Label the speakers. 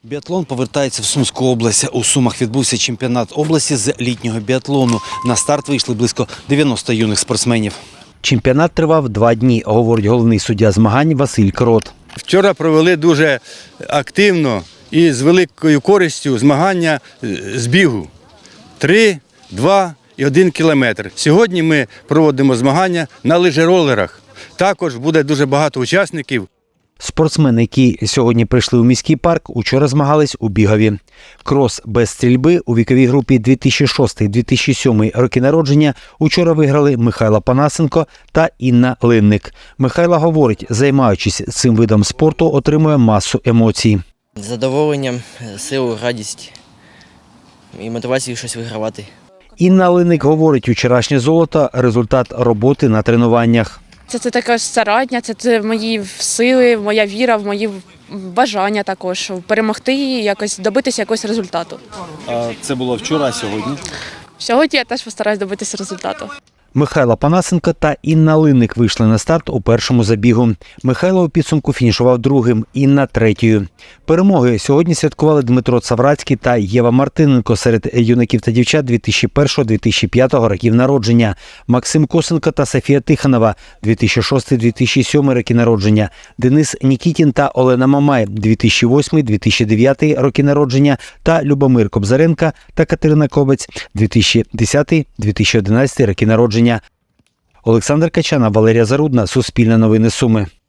Speaker 1: Біатлон повертається в Сумську область. У Сумах відбувся чемпіонат області з літнього біатлону. На старт вийшли близько 90 юних спортсменів. Чемпіонат тривав 2 дні, говорить головний суддя змагань Василь Крот.
Speaker 2: Вчора провели дуже активно і з великою користю змагання з бігу. 3, 2 і 1 кілометр. Сьогодні ми проводимо змагання на лижеролерах. Також буде дуже багато учасників.
Speaker 1: Спортсмени, які сьогодні прийшли у міський парк, учора змагались у бігові. Крос без стрільби у віковій групі 2006-2007 роки народження учора виграли Михайло Панасенко та Інна Линник. Михайло говорить, займаючись цим видом спорту, отримує масу емоцій.
Speaker 3: Задоволенням, силу, радість і мотивацію щось вигравати.
Speaker 1: Інна Линник говорить, вчорашнє золото – результат роботи на тренуваннях.
Speaker 4: Це також старання, це мої сили, моя віра, в мої бажання також перемогти і якось добитися якогось результату.
Speaker 1: А це було вчора, а сьогодні?
Speaker 4: Сьогодні я теж постараюсь добитися результату.
Speaker 1: Михайло Панасенко та Інна Линник вийшли на старт у першому забігу. Михайло у підсумку фінішував другим, Інна – третьою. Перемоги сьогодні святкували Дмитро Цаврацький та Єва Мартиненко серед юнаків та дівчат 2001-2005 років народження, Максим Косенко та Софія Тихонова 2006-2007 роки народження, Денис Нікітін та Олена Мамай 2008-2009 роки народження та Любомир Кобзаренко та Катерина Кобець 2010-2011 роки народження. Олександр Качана, Валерія Зарудна, Суспільне новини Суми.